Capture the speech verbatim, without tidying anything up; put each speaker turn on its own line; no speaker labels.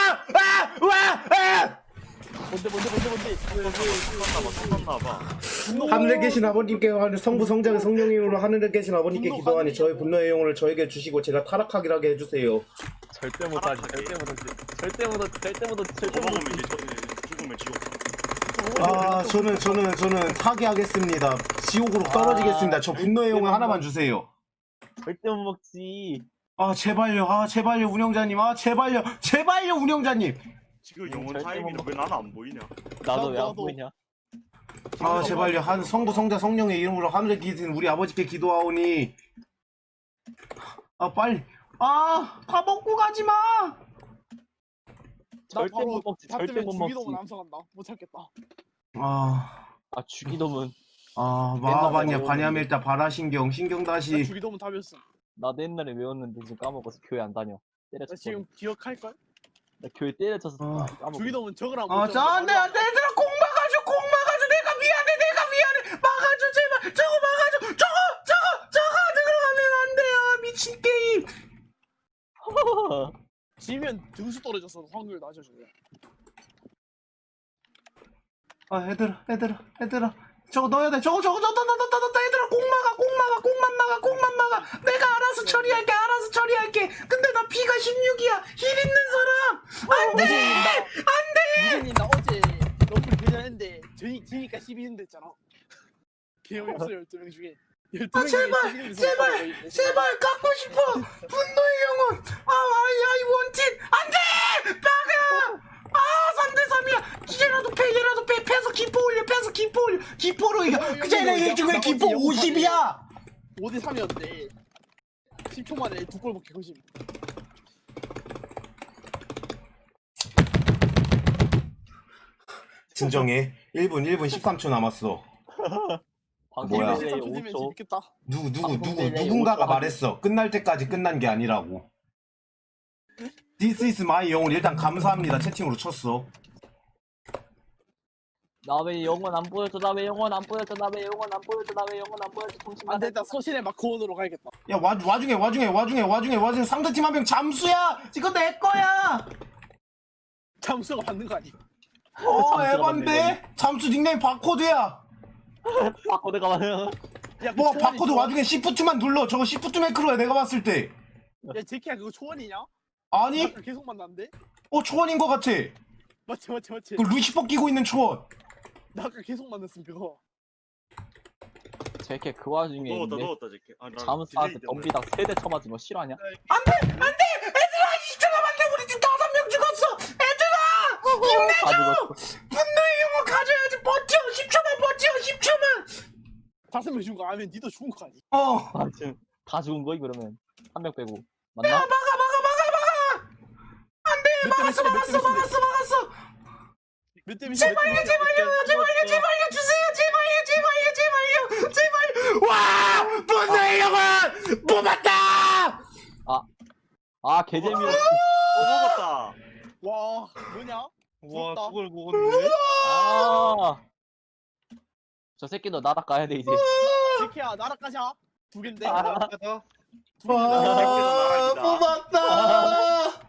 아! 와! 아!
뭔데 뭔데 뭔데 뭔데
끝났나봐 끝났나봐.
하늘에 계신 아버님께 성부 성자의 성령의 이름으로 하늘에 계신 아버님께 기도하니 저의 분노의 영혼을 저에게 주시고 제가 타락하게 하게 해주세요.
절대 못하지 절대 못하지 절대 못하지 절대 못하지 절대
먹으면
못하지
이제 저 죽으면 지옥.
아 저는 저는 저는 타계하겠습니다. 지옥으로 떨어지겠습니다. 저 분노의 영혼 하나만 주세요.
절대 못 먹지.
아 제발요. 아 제발요 운영자님. 아 제발요. 제발요 운영자님.
지금 영혼
절대
타이밍이
못
왜 나는 안 보이냐?
나도 왜 안
나도.
보이냐?
아 제발요. 한 성부 성자 성령의 이름으로 하늘에 계신 우리 아버지께 기도하오니 아 빨리 아 다 먹고 가지 마.
절대 못 먹지
밥
절대
때문에
못 먹지.
주기도문 암살한다. 못 참겠다.
아,
아 주기도문
아
옛날에
마하반야
외웠는데.
반야밀타 바라신경 신경
나
다시
주기도문 답이었어.
나도 옛날에 외웠는데 지금 까먹어서 교회 안 다녀.
나
때려쳤어.
지금 기억할걸?
나 교회 때려쳐서
어.
까먹어.
주기도문 적으라고.
아, 자, 안 돼, 안 돼, 얘들아, 공 막아줘, 공 막아줘, 내가 미안해, 내가 미안해, 막아줘, 제발, 저거 막아줘, 저거, 저거, 저거 들어가면 안 돼요, 미친 게임.
지면 등수 떨어져서 확률 낮아져요.
아, 얘들아, 얘들아, 얘들아, 저거 넣어야 돼, 저거, 저거, 저거, 넣었다, 넣었다, 얘들아, 공 막아, 공 막아, 공만 막아, 공만 막아, 내가 알아서 처리할게, 알아서 처리할게. 근데 나 피가 십육이야, 힐 있는 사람, 안 돼, 안 돼.
무진님 나 어제 러플 대전했는데 저희 지니까 십이 등 됐잖아. 개념이 없어 열두 명 중에. 열두
아,
명 중에
제발,
십이 등
제발, 제발, 갖고 싶어, 분노의 영혼, 아, 아이, 아이, 원틴, 안 돼, 막아. 아, 삼 대 삼이야. 얘라도 패, 얘라도 패. 패서 기포 올려, 패서 기포 올려. 기포로 이겨.
어,
그 쟤네
여기,
얘 중에
나머지
기포
영웅
오십이야.
오 대 삼이었는데 십 초 만에 두 골 먹게 거심.
진정해. 일 분, 일 분 십삼 초 남았어. 뭐야?
방송 딜레이
딜레이
오 초.
재밌겠다.
누구, 누구,
방송
누구,
딜레이
누군가가
오 초
말했어. 끝날 때까지 끝난 게 아니라고. This is my 영혼. 일단 감사합니다. 채팅으로 쳤어.
나 왜 영원 안 보여줘? 나 왜 영원 안 보여줘? 나 왜 영원 안 보여줘? 나 왜 영원 안 보여줘? 정신
안 됐다. 서신의 마크온으로 가야겠다.
야, 와, 와중에, 와중에, 와중에, 와중에, 와중에 상대팀 한 명 잠수야. 이거 내 거야.
잠수가 받는 거 아니?
어, 에반데? 잠수 닉네임 바코드야.
바코드가 많아.
야,
뭐
그
바코드
초원이
와중에 시프트만 눌러. 저거 시프트 매크로야 내가 봤을 때.
초원- 야 제키야 그거 초원이냐?
아니?
아까 계속 만났는데?
어 초원인 것 같아.
맞지 맞지 맞지.
그 루시퍼 끼고 있는 초원.
나 아까 계속 만났음 그거.
제게 그 와중에
넣었다
있네.
넣었다 제게. 아, 나
잠수한테
딜레이 때문에.
덤비다 세대 쳐맞은 거 싫어하냐?
안돼 안돼 얘들아 이십 초 남았네. 우리 팀 다섯 명 죽었어. 얘들아 힘내줘.
다 죽었어.
분노의 영혼 가져야지. 버텨. 십 초만 버텨. 십 초만.
다섯 명 죽은 거 아니면 니도 죽은 거 아니?
어.
아 지금 다 죽은 거이 그러면 한 명 빼고
야
맞나?
막아 막아 막아 막아. 안돼 막았어 막았어 막았어 막았어.
몇대 몇이야?
제발요 제발요 제발요 제발요 주세요. 제발요 제발요 제발요 제발. 와 분노의 영혼 뽑았다.
아 개재미없어.
어 먹었다.
와 뭐냐?
와
부럽다.
그걸 먹었네.
아. 저 새끼도 나락 가야 돼 이제.
제키야 나락가자. 두 갠데.
아.
가자.
와
나락이다.
뽑았다.